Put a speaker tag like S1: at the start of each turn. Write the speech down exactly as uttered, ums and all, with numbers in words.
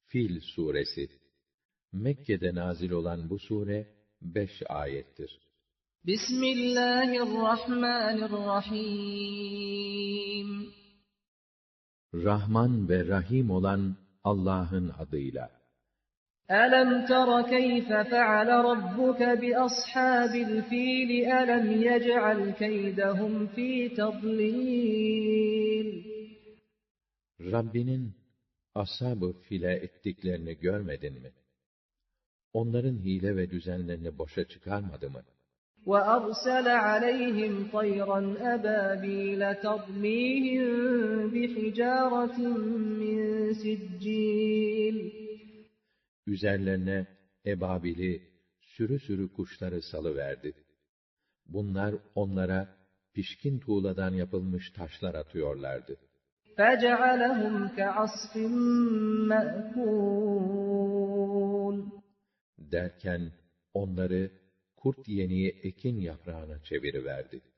S1: Fil suresi. Mekke'de nazil olan bu sure beş ayettir.
S2: Bismillahirrahmanirrahim.
S1: Rahman ve Rahim olan Allah'ın adıyla.
S2: Alam tara keyfe feale rabbuke bi ashabil fil alam yec'al keydehum fi tadlil.
S1: Rabbinin ashab-ı file ettiklerini görmedin mi? Onların hile ve düzenlerini boşa çıkarmadı mı?
S2: وَأَرْسَلَ عَلَيْهِمْ طَيْرًا أَبَابِيلَ تَرْمِيهِم بِحِجَارَةٍ مِّن سِجِّيلٍ.
S1: Üzerlerine ebabili, sürü sürü kuşları salıverdi. Bunlar onlara pişkin tuğladan yapılmış taşlar atıyorlardı.
S2: فَجَعَلَهُمْ كَعَصْفٍ مَّأْكُولٍ.
S1: Derken onları kurt yeniği ekin yaprağına çeviriverdi.